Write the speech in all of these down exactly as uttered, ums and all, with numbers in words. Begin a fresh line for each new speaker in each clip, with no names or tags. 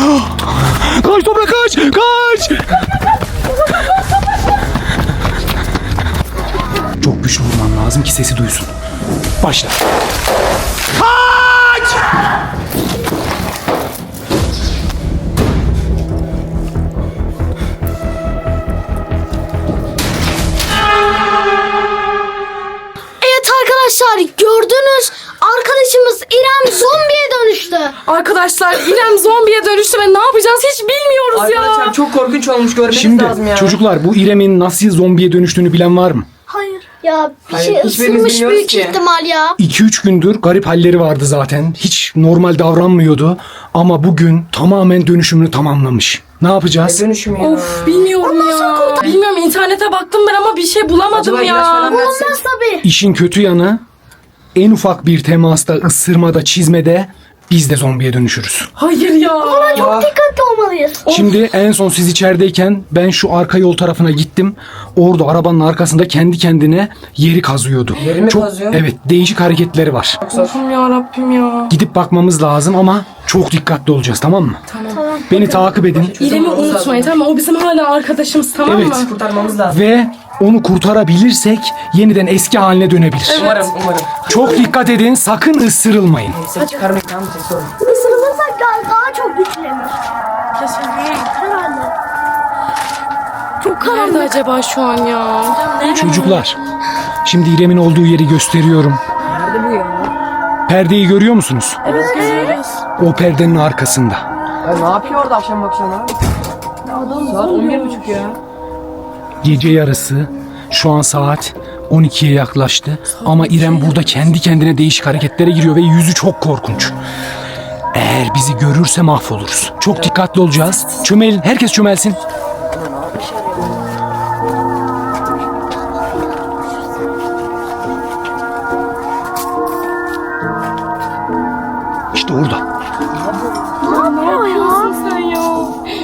Kaç Toprak, kaç! Kaç! Çok güçlü vurman lazım ki sesi duysun. Başla. Kaç!
Evet arkadaşlar, gördünüz. Arkadaşımız İrem zombiye dönüştü.
Arkadaşlar İrem zombiye dönüştü ve ne yapacağız hiç bilmiyoruz ya.
Arkadaşlar çok korkunç olmuş, görmeniz
Şimdi
lazım ya.
çocuklar, bu İrem'in nasıl zombiye dönüştüğünü bilen var mı?
Hayır. Ya bir
Hayır,
şey
hiçbirimiz
ısırmış
bilmiyoruz
büyük
ki.
ihtimal ya.
iki üç gündür garip halleri vardı zaten. Hiç normal davranmıyordu. Ama bugün tamamen dönüşümünü tamamlamış. Ne yapacağız?
Dönüşüm ya.
Of bilmiyorum ya. Bilmiyorum, internete baktım ben ama bir şey bulamadım
Acaba ilaç
ya.
falan versek?
Olmaz tabii.
İşin kötü yanı, en ufak bir temasta, ısırmada, çizmede biz de zombiye dönüşürüz.
Hayır ya.
Ah,
Dikkatli olmalıyız.
Şimdi en son siz içerideyken ben şu arka yol tarafına gittim. Orada arabanın arkasında kendi kendine yeri kazıyordu.
Yeri mi
çok,
kazıyor?
Evet, değişik hareketleri var.
Allah'ım ya Rabbim ya.
Gidip bakmamız lazım ama çok dikkatli olacağız, tamam mı?
Tamam.
Beni takip edin
İrem'i unutmayın, tamam mı? O bizim hala arkadaşımız, tamam
Evet.
mı?
kurtarmamız lazım.
ve onu kurtarabilirsek yeniden eski haline dönebilir.
Umarım, umarım.
Çok dikkat edin, sakın ısırılmayın.
Ses çıkarmayın, tamam mı? Ses olun.
Isırılırsak daha, daha çok güçlenir.
Kesin.
Herhalde.
Çok nerede acaba şu an ya?
Çocuklar, şimdi İrem'in olduğu yeri gösteriyorum.
Nerede bu ya?
Perdeyi görüyor musunuz?
Evet görüyoruz.
O perdenin arkasında.
Ya ne yapıyor orada akşam akşam abi? Saat on bir buçuk ya.
Gece yarısı, şu an saat on ikiye yaklaştı. Ama İrem burada kendi kendine değişik hareketlere giriyor ve yüzü çok korkunç. Eğer bizi görürse mahvoluruz. Çok dikkatli olacağız. Çömelin, herkes çömelsin. İşte orada.
Ne yapıyorsun sen ya?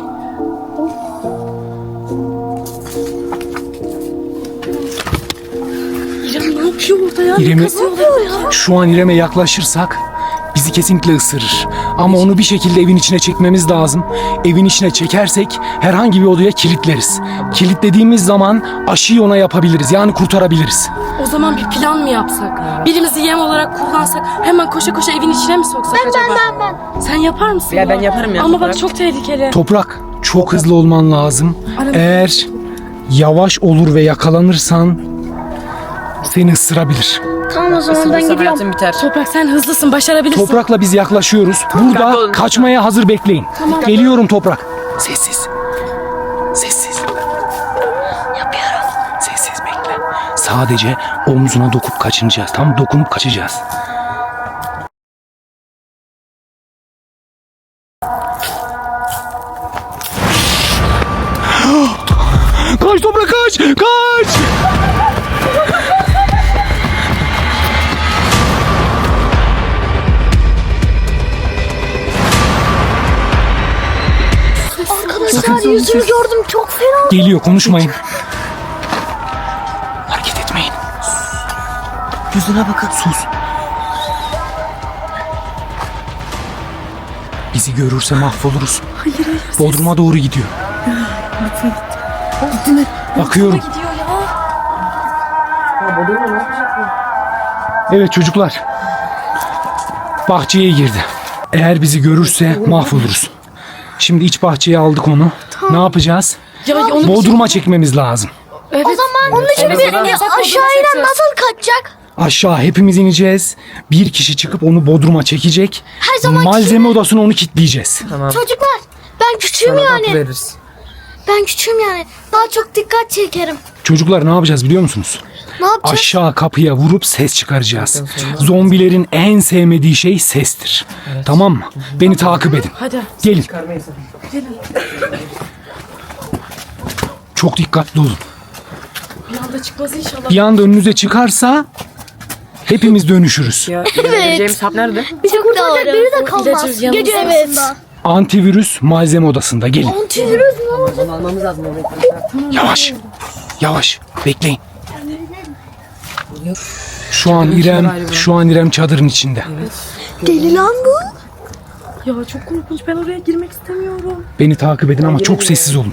İrem ne yapıyor orada ya?
İrem'i-
Ne kazıyorlar ya?
Şu an İrem'e yaklaşırsak bizi kesinlikle ısırır. Ama onu bir şekilde evin içine çekmemiz lazım. Evin içine çekersek herhangi bir odaya kilitleriz. Kilitlediğimiz zaman aşıyı ona yapabiliriz. Yani kurtarabiliriz.
O zaman bir plan mı yapsak? Birimizi yem olarak kullansak, hemen koşa koşa evin içine mi soksak acaba?
Ben ben ben.
Sen yapar mısın?
Ya ben yaparım ya,
Ama bak
Toprak.
çok tehlikeli.
Toprak, çok hızlı olman lazım.
Aram-
Eğer yavaş olur ve yakalanırsan seni ısırabilir.
Tamam o zaman ben
Isırırsa
gidiyorum.
hayatım biter.
Toprak sen hızlısın, başarabilirsin.
Toprakla biz yaklaşıyoruz.
Dikkatli
Burada
olun.
kaçmaya hazır bekleyin. Geliyorum Toprak. Sessiz. Sessiz. Yapıyorum. Sessiz bekle. Sadece omzuna dokup kaçınacağız. Tam dokunup kaçacağız. Kaç Toprak, kaç! Kaç!
Arkadaşlar yüzünü gördüm, çok fena.
Geliyor, konuşmayın. Hareket etmeyin.
Yüzüne bakın.
Sus. Bizi görürse mahvoluruz.
Hayır hayır.
Bodrum'a doğru gidiyor. Bakıyorum.
Gidiyor ya.
Ya Bodrum'a ne yapacak bu?
Evet çocuklar. Bahçeye girdi. Eğer bizi görürse mahvoluruz. Şimdi iç bahçeye aldık onu. Ne yapacağız?
Ya onu
Bodrum'a çekmemiz lazım.
Evet.
O zaman onun için
Evet,
bir
evet.
aşağıya
Çekeceğiz.
nasıl kaçacak?
Aşağı hepimiz ineceğiz. Bir kişi çıkıp onu Bodrum'a çekecek.
Her zamanki
Malzeme odasına onu kilitleyeceğiz.
Tamam.
Çocuklar, ben küçüğüm
Sana da
yani.
veririz.
Ben küçüğüm yani. Daha çok dikkat çekerim.
Çocuklar ne yapacağız biliyor musunuz?
Ne yapacağız?
Aşağı kapıya vurup ses çıkaracağız. Zombilerin en sevmediği şey sestir. Tamam mı? Beni takip edin.
Hadi.
Gelin.
Çıkarmayın sakın.
Çok dikkatli olun.
Bir anda çıkmaz inşallah.
Bir anda önünüze çıkarsa hepimiz dönüşürüz.
Ya, James Hap nerede?
Bizi kurtaracak biri de kalmaz.
İlacımız yanımızda.
Gece yarısında.
Antivirüs malzeme odasında. Gelin.
Antivirüs mü?
Onu almamız lazım.
Yavaş. Yavaş. Bekleyin. Şu an İrem, şu an İrem çadırın içinde.
Deli lan bu.
Ya çok korkunç. Ben oraya girmek istemiyorum.
Beni takip edin ama çok sessiz olun.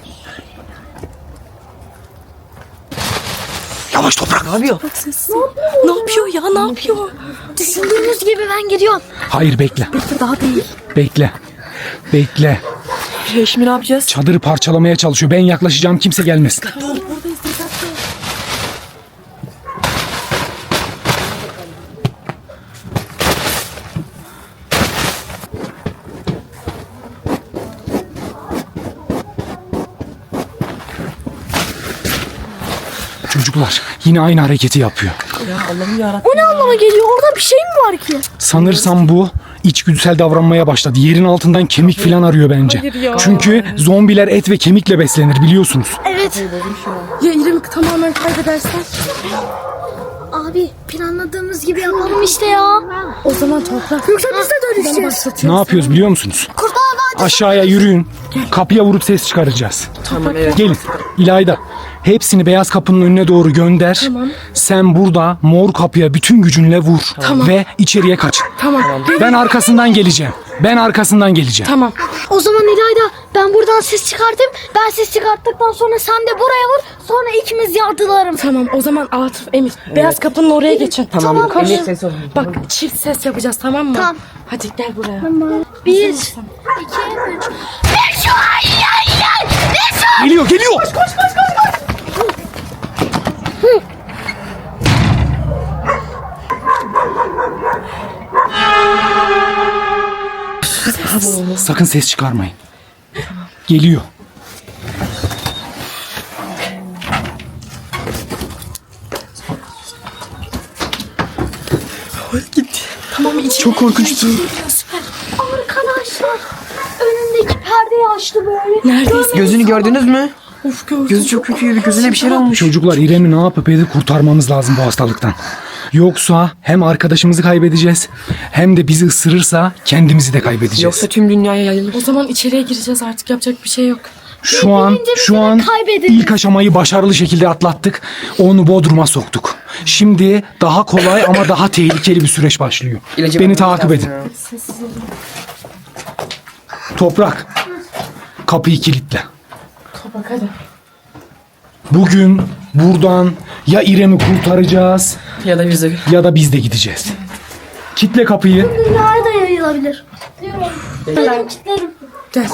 Yavaş Toprak.
Ne yapıyor?
Bak sessiz. Ne yapıyor ya? Ne yapıyor?
Düşündüğünüz gibi ben gidiyorum.
Hayır bekle.
Daha değil.
Bekle. Bekle.
Şey, şimdi ne yapacağız?
Çadırı parçalamaya çalışıyor. Ben yaklaşacağım, kimse gelmesin.
Buradayız. Dikkatli.
Çocuklar yine aynı hareketi yapıyor.
Ya Allah'ım yarabbim.
O ne anlama geliyor? Orada bir şey mi var ki?
Sanırsam bu içgüdüsel davranmaya başladı. Yerin altından kemik falan arıyor bence.
Hayır ya.
Çünkü zombiler et ve kemikle beslenir biliyorsunuz.
Evet.
Ya İrem'i tamamen kaybedersen?
Abi planladığımız gibi yapalım işte ya.
O zaman toprak.
Yoksa biz de dönüşeceğiz.
Ne yapıyoruz biliyor musunuz?
Kurtlar Vadisi.
Aşağıya yürüyün. Kapıya vurup ses çıkaracağız.
Tamam evet.
Gelin. İlayda. Hepsini beyaz kapının önüne doğru gönder.
Tamam.
Sen burada mor kapıya bütün gücünle vur.
Tamam.
Ve içeriye kaç.
Tamam.
Ben arkasından geleceğim. Ben arkasından geleceğim.
Tamam.
O zaman İlayda ben buradan ses çıkartayım. Ben ses çıkarttıktan sonra sen de buraya vur. Sonra ikimiz yardılarım.
Tamam. O zaman Atıf, Emir. Beyaz kapının oraya geçin.
Tamam.
koş.
Emir ses olun.
Bak çift ses yapacağız, tamam mı?
Tamam.
Hadi gel buraya.
Bir, iki, üç. Beş, ay, ay, ay. Beş, ay.
Geliyor geliyor. Sakın ses çıkarmayın. Geliyor.
Gitti.
Tamam içeri.
Çok korkunçtu.
Arkadaşlar önündeki perdeyi açtı böyle.
Neredeyse.
Gözünü gördünüz mü?
Of gördüm.
Gözü çok kötü. Gözüne bir şey olmuş.
Çocuklar İrem'i ne yapıp edip kurtarmamız lazım bu hastalıktan. Yoksa hem arkadaşımızı kaybedeceğiz hem de bizi ısırırsa kendimizi de kaybedeceğiz.
Yoksa tüm dünyaya yayılır.
O zaman içeriye gireceğiz artık, yapacak bir şey yok.
Şu an
Birbirimizi
şu an
kaybedeceğiz.
ilk aşamayı başarılı şekilde atlattık. Onu Bodrum'a soktuk. Şimdi daha kolay ama daha tehlikeli bir süreç başlıyor.
İlacı
Beni
vermemiz
takip
lazım
edin.
ya.
Sessiz olun.
Toprak. Kapıyı kilitle.
Kapak hadi.
Bugün buradan ya İrem'i kurtaracağız
Ya da bize.
ya da biz de gideceğiz. Kitle kapıyı.
Dünyaya da yayılabilir. Benim kitlerim.
Gel.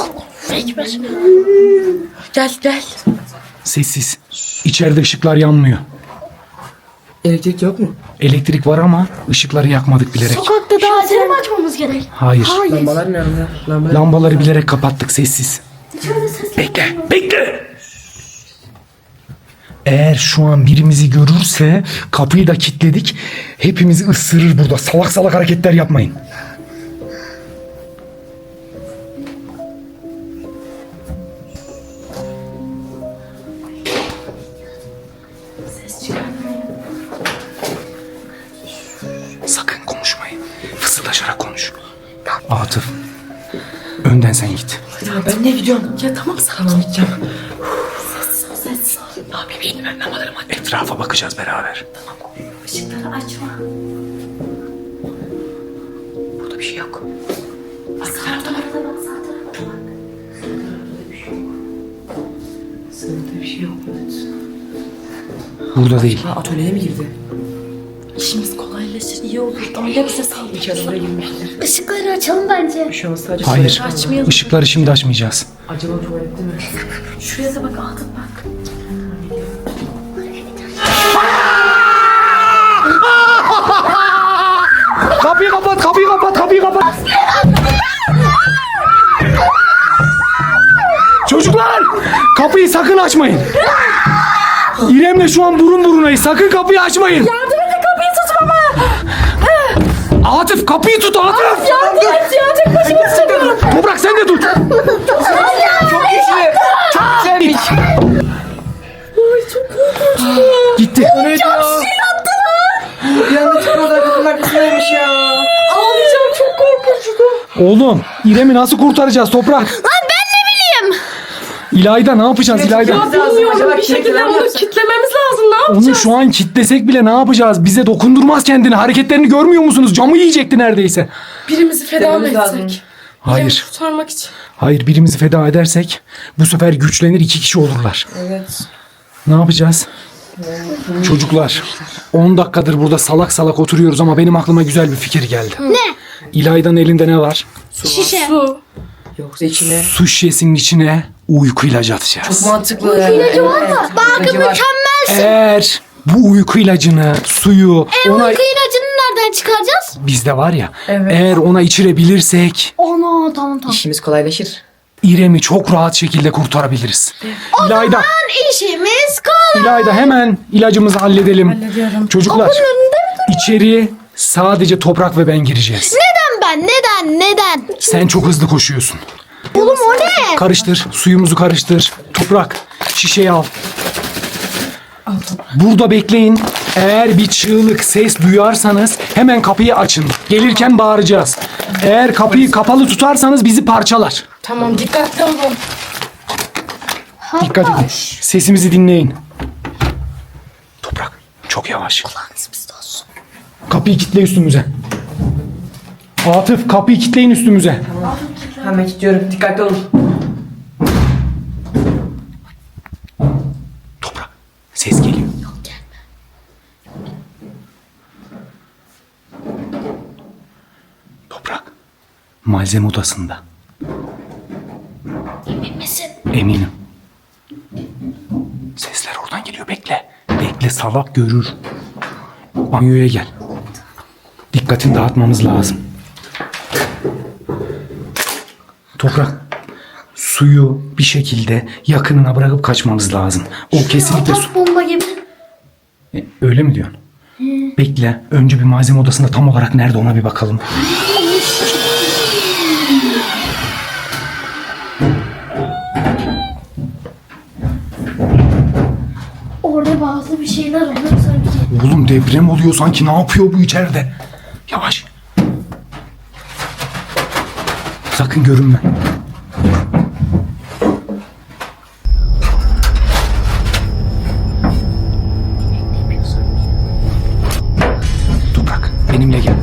Gel gel.
Sessiz. İçeride ışıklar yanmıyor.
Elektrik yok mu?
Elektrik var ama ışıkları yakmadık bilerek.
Sokakta daha mi açmamız gerek?
Hayır.
Lambalar nerede? Lambalar.
Lambaları bilerek kapattık, sessiz. Bekle, bekle. Eğer şu an birimizi görürse kapıyı da kilitledik. Hepimizi ısırır burada. Salak salak hareketler yapmayın. Sakın konuşmayın. Fısıldaşarak konuş. Atıf. Önden sen git.
Ya ben ne gidiyorum?
Ya tamam sakin.
Tamam gideceğim.
Sessiz ol sessiz ol.
Ne yapayım şimdi ben ne yaparım hadi.
Etrafa bakacağız beraber.
Işıkları açma.
Burada bir şey yok.
Sağ tarafa bak, sağ tarafa bak.
Sınıfta bir şey yok. Evet.
Burada değil.
Ha atölyeye mi girdi?
İşimiz kolaylaşır, iyi olur. Öyle bize saldırır.
İçeri oraya girmiştir.
Işıkları açalım bence.
Bir şey olmaz sadece.
Hayır.
tuvalet var.
Açmayalım.
Işıkları şimdi açmayacağız.
Acaba tuvalette mi?
Şuraya da bak, Atıf bak.
Kapıyı kapat, kapıyı kapat, kapıyı kapat. Çocuklar! Kapıyı sakın açmayın. İrem'le şu an burun burunayız. Sakın kapıyı açmayın.
Yardım edin, kapıyı tut baba.
Atıf kapıyı tut Atıf.
Yardım et ya, tek başıma tutamıyorum.
Toprak sen de tut.
Çok güçlü. Çok güzelmiş.
Gitti.
O neydi ya? Bir anda çıktı orada kapının arkasındaymış ya.
Ağlayacağım, çok korkunçtu.
Oğlum İrem'i nasıl kurtaracağız Toprak?
Lan ben ne bileyim.
İlayda ne yapacağız İlayda?
Lazım.
Bilmiyorum,
Acaba
bir şekilde
kilitlemem
onu
yapsak?
kitlememiz lazım, ne yapacağız?
Onu şu an kitlesek bile ne yapacağız? Bize dokundurmaz kendini. Hareketlerini görmüyor musunuz? Camı yiyecekti neredeyse.
Birimizi feda mı
Kitlememiz lazım.
etsek?
Hayır.
Kurtarmak için.
Hayır, birimizi feda edersek bu sefer güçlenir, iki kişi olurlar.
Evet.
Ne yapacağız? Çocuklar, on dakikadır burada salak salak oturuyoruz ama benim aklıma güzel bir fikir geldi.
Ne?
İlayda'nın elinde ne var?
Şişe.
Su.
Yoksa içine.
Su şişesinin içine uyku ilacı atacağız.
Çok mantıklı.
İlacı var mı? Bakın
İlacı var.
mükemmelsin.
Eğer bu uyku ilacını, suyu
E
ona
uyku ilacını nereden çıkaracağız?
bizde var ya,
Evet.
eğer ona içirebilirsek
Ana tamam tamam.
İşimiz kolaylaşır.
İrem'i çok rahat şekilde kurtarabiliriz. İlayda,
Lan işimiz kolay.
İlayda hemen ilacımızı halledelim.
Hallediyorum.
Çocuklar, içeri sadece Toprak ve ben gireceğiz.
Neden ben? Neden? Neden?
Sen çok hızlı koşuyorsun.
Oğlum o ne?
Karıştır, suyumuzu karıştır. Toprak, şişeyi al. Burada bekleyin. Eğer bir çığlık, ses duyarsanız hemen kapıyı açın. Gelirken bağıracağız. Eğer kapıyı kapalı tutarsanız bizi parçalar.
Tamam dikkatli olun.
Dikkat edin. Sesimizi dinleyin. Toprak, çok yavaş. Kapıyı kitle üstümüze. Atıf, kapıyı kitleyin üstümüze.
Hemen gidiyorum. Dikkatli olun.
Toprak, ses geliyor. Toprak, malzeme odasında.
Emin misin?
Eminim. Sesler oradan geliyor. Bekle. Bekle, salak görür. Banyoya gel. Dikkatini dağıtmamız lazım. Toprak, suyu bir şekilde yakınına bırakıp kaçmamız lazım. O kesinlikle su...
Atak bomba gibi.
E, öyle mi diyorsun? Bekle. Önce bir malzeme odasında tam olarak nerede ona bir bakalım.
Orada bazı bir şeyler oluyor sanki.
Oğlum deprem oluyor sanki. Ne yapıyor bu içeride? Yavaş. Sakın görünme. Toprak, benimle gel.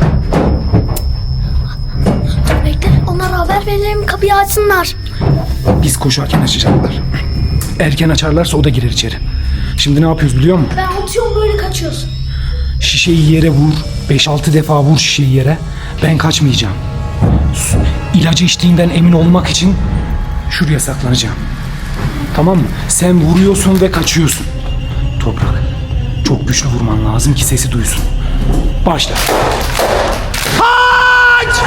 Bekle onlara haber verelim kapıyı açsınlar.
Biz koşarken açacaklar. Erken açarlarsa o da girer içeri. Şimdi ne yapıyoruz biliyor musun?
Ben atıyorum böyle kaçıyorsun.
Şişeyi yere vur. beş altı defa vur şişeyi yere. Ben kaçmayacağım. Su- İlacı içtiğinden emin olmak için şuraya saklanacağım. Tamam mı? Sen vuruyorsun ve kaçıyorsun. Toprak, çok güçlü vurman lazım ki sesi duysun. Başla. Kaç!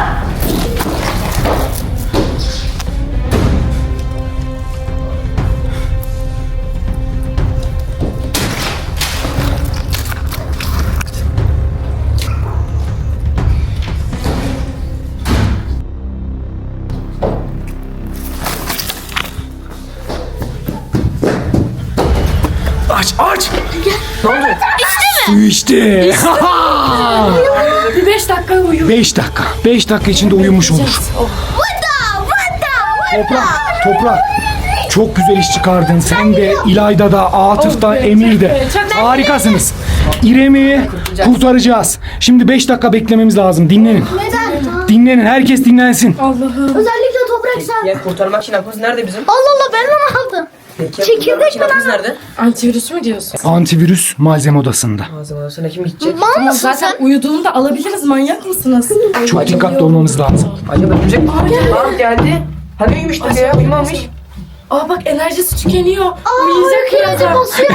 Aç, aç!
Ne oldu?
Suyu içti.
Bir beş dakika uyuyun.
Beş dakika. Beş dakika içinde uyumuş olur.
Oh.
Toprak, toprak. Çok güzel iş çıkardın. Sen de, İlayda da, Atıf da,
Oh be,
Emir
çok
de.
be, çok be.
Harikasınız. İrem'i kurtaracağız. Şimdi beş dakika beklememiz lazım. Dinlenin.
Neden?
Dinlenin. Herkes dinlensin.
Allah'ım.
Özellikle toprak sen.
Ya kurtarmak için aklımız nerede bizim?
Allah Allah ben onu aldım.
Peki ya
Çekirdek
kurtarmak için
mi
aklımız
lan?
nerede?
Antivirüs mü diyorsun?
Antivirüs malzeme odasında.
Malzeme odasına kim gidecek?
Mal
Ama
mısın
zaten
sen?
uyuduğunu da alabiliriz. Manyak mısınız?
Çok dikkatli olmamız lazım.
Acaba örümcek mi? Aa geldi. Hani uyumuştuk ya uyumamış.
Aa bak enerjisi tükeniyor.
Aa,
Uyuyacak
ilacı
birazdan.
basıyor.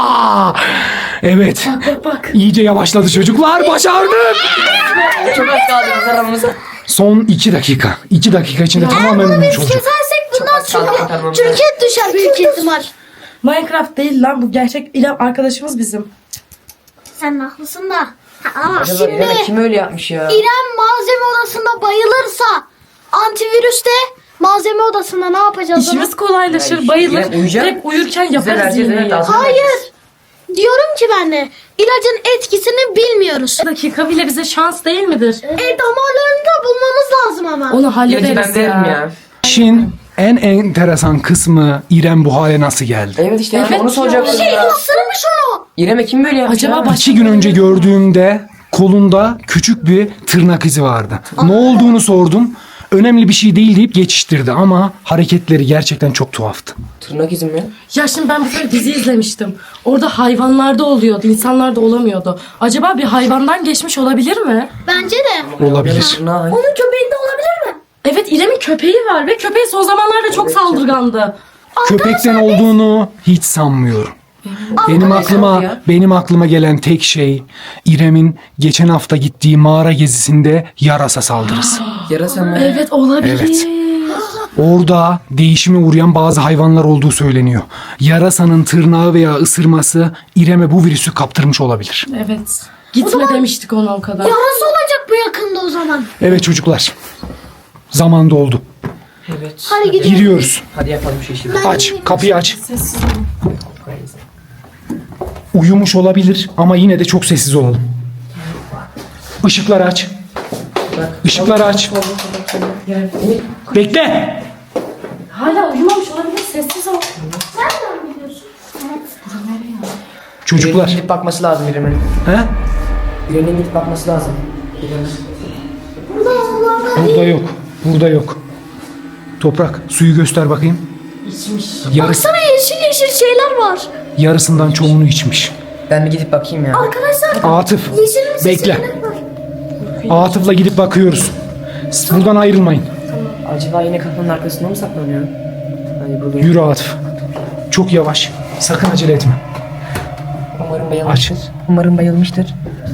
Evet.
Bak bak.
İyice yavaşladı çocuklar. Başardık.
Çok az kaldı biz aramızda.
Son iki dakika. İki dakika içinde tamamen
Bunu
uyumuş
biz
olacak.
kesersek bundan
az kaldı
çünkü
kurtarmamız.
Türkiye düşer büyük ihtimal.
Minecraft değil lan bu gerçek İrem arkadaşımız bizim.
Sen haklısın da. Ama
Acaba
şimdi
İrem'e kim öyle yapmış ya?
İrem malzeme odasında bayılırsa antivirüs de malzeme odasında ne yapacağız? ona?
İşimiz kolaylaşır,
Ya,
bayılır.
İrem uyuyacak.
Direkt uyurken
Bize
yaparız
vereceğiz
yemeği.
evet lazım.
Hayır. Diyorum ki ben de ilacın etkisini bilmiyoruz.
Bir dakika bile bize şans değil midir?
E damarlarını da bulmamız lazım ama.
Onu
İlacı
hallederiz
ben veririm ya.
İşin en enteresan kısmı İrem bu hale nasıl geldi?
Evet işte
Evet
onu soracaktım
Şey
ya.
ısırmış onu.
İrem'e kim böyle yapmış
Acaba
ya?
baş-
İki gün önce gördüğümde kolunda küçük bir tırnak izi vardı. Ne olduğunu sordum. önemli bir şey değil deyip geçiştirdi ama hareketleri gerçekten çok tuhaftı.
Tırnak izim mi?
Ya şimdi ben bir tane dizi izlemiştim. Orada hayvanlarda oluyordu, insanlarda olamıyordu. Acaba bir hayvandan geçmiş olabilir mi?
Bence de.
Olabilir.
Tırnağı.
Onun köpeğinde olabilir mi?
Evet, İrem'in köpeği var ve köpeği son zamanlarda çok saldırgandı.
Köpekten olduğunu hiç sanmıyorum. Benim aklıma
ya.
benim aklıma gelen tek şey İrem'in geçen hafta gittiği mağara gezisinde yarasa saldırısı.
Yarasa mı?
Evet, olabilir.
Evet. Orada değişime uğrayan bazı hayvanlar olduğu söyleniyor. Yarasanın tırnağı veya ısırması İrem'e bu virüsü kaptırmış olabilir.
Evet. Gitme demiştik ona o kadar.
Yarası olacak bu yakında o zaman.
Evet çocuklar. Zaman doldu.
Evet.
Hadi gidelim.
Giriyoruz.
Hadi yapalım şu işi.
Aç. Kapıyı aç.
Sessiz olun.
Uyumuş olabilir ama yine de çok sessiz olalım. Işıkları aç. Işıkları aç. Bekle.
Hala uyumamış olabilir, sessiz ol.
Nereden biliyorsun?
Çocuklar.
Gidip bakması lazım İrem'in.
He?
İrem'in gidip bakması lazım. İrem'in.
Burada Allah'ım.
Burada yok. Burada yok. Toprak suyu göster bakayım.
İçmiş.
Yarısı,
Baksana yeşil yeşil şeyler var.
yarısından çoğunu içmiş.
Ben bir gidip bakayım ya.
Arkadaşlar
Atıf.
yeşil
Bekle.
şeyler var.
Atıf'la gidip bakıyoruz. Siz buradan ayrılmayın.
Acaba yine kapının arkasında mı saklanıyor? Hayır burada.
Yürü Atıf. Çok yavaş. Sakın acele etme.
Umarım bayılmıştır. Umarım bayılmıştır.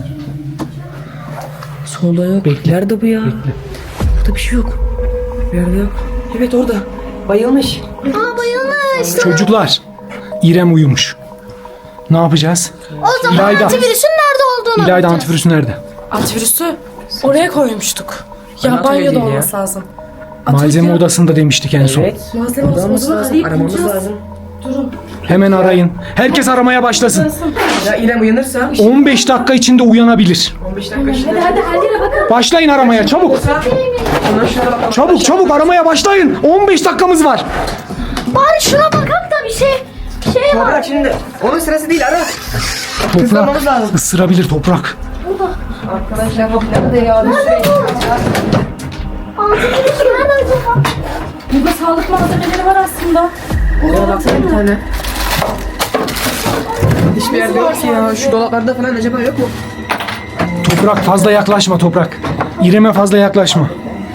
Solda yok.
Bekle.
Nerede bu ya? Burada bir şey yok. Bir yerde yok. Evet orada. Bayılmış.
Aa bayılmış.
Çocuklar. İrem uyumuş. Ne yapacağız?
O zaman
İlayda.
antivirüsün nerede olduğunu
İlayda
bakacağız.
antivirüsü nerede?
Antivirüsü oraya koymuştuk. Ya
Anahtar
banyoda
değil ya.
olması lazım.
Malzeme
Atölye-
odasında demiştik en son.
Evet.
Malzeme
Burada olması
odasını
lazım.
arayıp
Aramamız
bulacağız.
lazım.
Durun.
Hemen arayın. Herkes aramaya başlasın.
Ya İrem uyanırsa
on beş dakika içinde uyanabilir.
on beş dakika içinde.
Hadi her yere bakın.
Başlayın aramaya çabuk.
Ondan şuna bakalım.
Çabuk çabuk aramaya başlayın. on beş dakikamız var.
Bari şuna bakak da bir şey şey var.
Bırak şimdi. Onun sırası değil ara.
Toprak
Hızlanmamız lazım.
ısırabilir toprak.
Arkadaşlar bak nerede ya?
Antivirüs nerede acaba?
Burada sağlık malzemeleri var aslında.
Oraya baksana bir tane. Hiçbir yerde yok ki ya. Şu dolaplarda falan acaba yok mu?
Toprak fazla yaklaşma toprak. İrem'e fazla yaklaşma.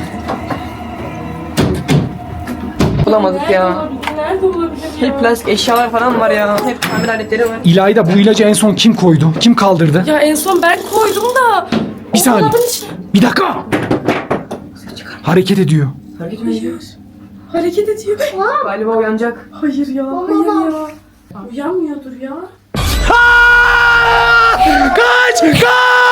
Bulamadık ya.
Nerede olabilir ya?
Hep plastik eşyalar falan var ya. Hep tamir aletleri var.
İlayda bu ilacı en son kim koydu? Kim kaldırdı?
Ya en son ben koydum da.
Bir
o
saniye.
dolabın içine-
Bir dakika. Hareket ediyor.
Hareket mi ediyoruz?
Hareket ediyor.
Galiba uyanacak.
Hayır ya, hayır ya. Uyanmıyordur ya.
Kaç! Kaç!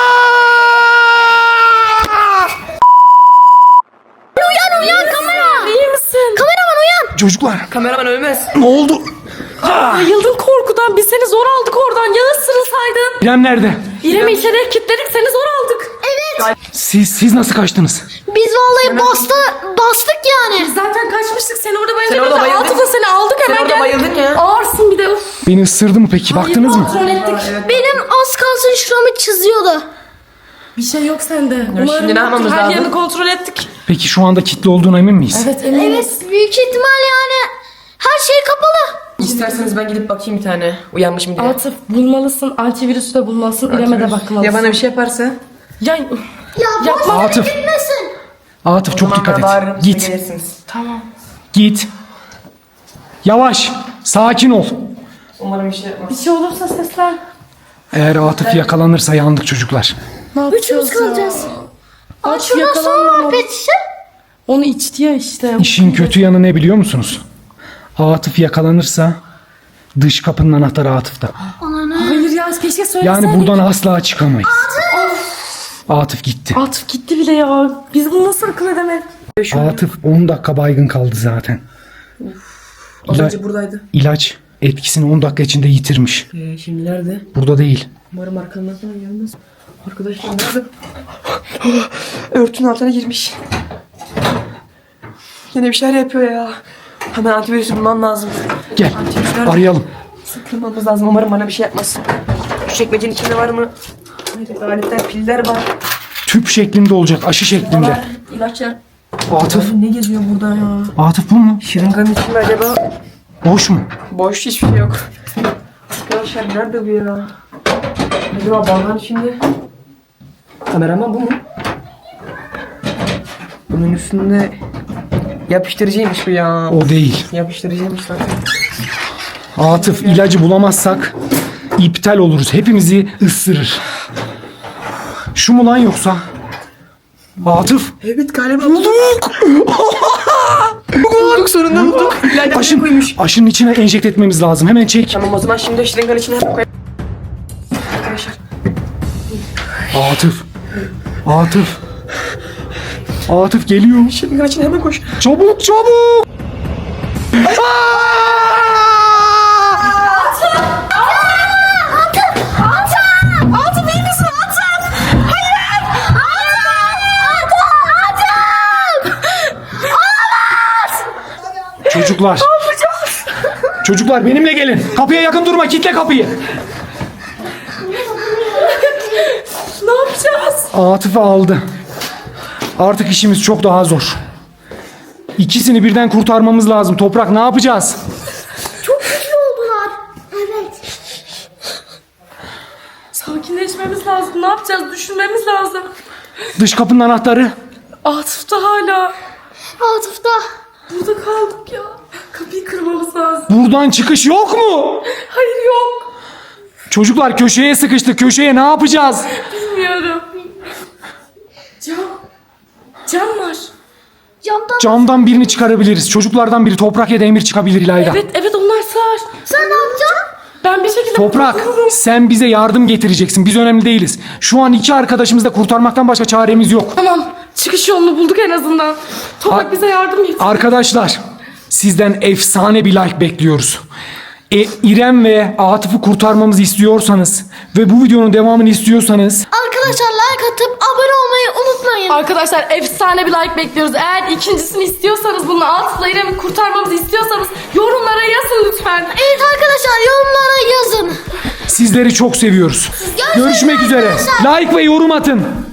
Uyan uyan kamera.
İyi misin?
Kameraman uyan.
Çocuklar
Kameraman ölmez.
ne oldu?
Bayıldın korkudan. Biz seni zor aldık oradan. Ya ısırılsaydın.
İrem nerede?
İrem'i içeriye kilitledik. Seni zor aldık.
Evet.
Siz siz nasıl kaçtınız?
Biz vallahi bastı bastık yani.
Zaten kaçmıştık. Sen orada bayıldın.
Sen orada
Biz de
bayıldın.
Atıf'la seni aldık
Sen
hemen
orada
gel.
bayıldın ya.
Ağırsın bir de. Uf.
Beni ısırdı mı peki? Baktınız mı?
Kontrol ettik.
Benim az kalsın şuramı çiziyordu.
Bir şey yok sende. Umarım
şimdi ne yapmamız
yoktur. Her
lazım?
yerini kontrol ettik.
Peki şu anda kilitli olduğuna emin miyiz?
Evet eminiz.
Evet büyük ihtimal yani her şey kapalı.
İsterseniz ben gidip bakayım bir tane. Uyanmış mı diye.
Atıf bulmalısın. Antivirüsü de bulmalısın. İrem'e de bakmalısın.
Ya bana bir şey yaparsa?
Ya,
Ya
Yapma.
boş
Atıf.
gitmesin.
Atıf çok dikkat et.
Bağırırım, siz
Git.
gelirsiniz.
tamam.
Git. Yavaş. Sakin ol.
Umarım bir şey yapmaz.
Bir şey olursa seslen.
Eğer Atıf yakalanırsa yandık çocuklar.
Ne yapacağız
Üçümüz kalacağız. Aa
Aç
şuradan sonra
yakalanma.
pet şişe.
Onu içti ya işte.
İşin kötü yanı ne biliyor musunuz? Atıf yakalanırsa dış kapının anahtarı Atıf'ta.
Hayır ya keşke söyleseydik.
Yani buradan asla çıkamayız. Atıf gitti.
Atıf gitti bile ya. Biz bunu nasıl akıl edemedik?
Atıf on dakika baygın kaldı zaten.
Az
İla-
önce buradaydı.
İlaç etkisini on dakika içinde yitirmiş.
Ee, şimdi nerede?
Burada değil.
Umarım arkamızdan gelmez. Arkadaşlar nerede? Örtünün altına girmiş. Yine bir şeyler yapıyor ya. Hemen antivirüsü bulmam lazım.
Gel
Antivirüs nerede?
arayalım.
Sıkılmamız lazım. Umarım bana bir şey yapmaz. Şu çekmecenin içinde var mı? Hayır, aletler, piller var.
Tüp şeklinde olacak, aşı şeklinde.
Var. İlaçlar.
Atıf.
Ne geziyor burada ya?
Atıf bu mu?
Şırınganın içinde acaba
Boş mu?
boş hiçbir şey yok. Arkadaşlar nerede bu ya? Acaba balığın içinde? Kameraman bu mu? Bunun üstünde yapıştırıcıymış bu ya.
O değil.
Yapıştırıcıymış zaten.
Atıf, ilacı bulamazsak iptal oluruz. Hepimizi ısırır. Şu mu lan yoksa? Atıf.
Evet galiba bulduk. bulduk sonunda bulduk. İlayda
Aşın,
koymuş.
aşının içine enjekte etmemiz lazım. Hemen çek.
Tamam o zaman şimdi şırınganın içine hemen koy. Arkadaşlar.
Atıf. Atıf. Atıf geliyor.
Şırınganın içine hemen koş.
Çabuk çabuk.
Atıf iyi misin Atıf? Hayır! Atıf! Atıf!
Çocuklar. Çocuklar benimle gelin. Kapıya yakın durma. Kitle kapıyı.
Ne yapacağız?
Atıf'ı aldı. Artık işimiz çok daha zor. İkisini birden kurtarmamız lazım. Toprak ne yapacağız?
Çok güçlü oldular. Evet.
Sakinleşmemiz lazım. Ne yapacağız? Düşünmemiz lazım.
Dış kapının anahtarı.
Atıf da hala.
Atıf da.
Burada kaldık ya. Kapıyı kırmamız lazım.
Buradan çıkış yok mu?
Hayır yok.
Çocuklar köşeye sıkıştık. Köşeye ne yapacağız?
Bilmiyorum. Cam. Cam var.
Camdan.
Camdan birini çıkarabiliriz. Çocuklardan biri Toprak ya da Emir çıkabilir İlayda.
Evet evet onlar sığar.
Sen ne yapacaksın?
Ben bir şekilde
Toprak
kurtulurum.
sen bize yardım getireceksin. Biz önemli değiliz. Şu an iki arkadaşımızı da kurtarmaktan başka çaremiz yok.
Tamam. Çıkış yolunu bulduk en azından. Toprak
Ar-
bize yardım et.
Arkadaşlar sizden efsane bir like bekliyoruz. E, İrem ve Atıf'ı kurtarmamızı istiyorsanız ve bu videonun devamını istiyorsanız
Arkadaşlar like atıp abone olmayı unutmayın.
Arkadaşlar efsane bir like bekliyoruz. Eğer ikincisini istiyorsanız bunu Atıf'la İrem'i kurtarmamızı istiyorsanız yorumlara yazın lütfen.
Evet arkadaşlar yorumlara yazın.
sizleri çok seviyoruz.
Görüşürüz
Görüşmek üzere.
arkadaşlar.
Like ve yorum atın.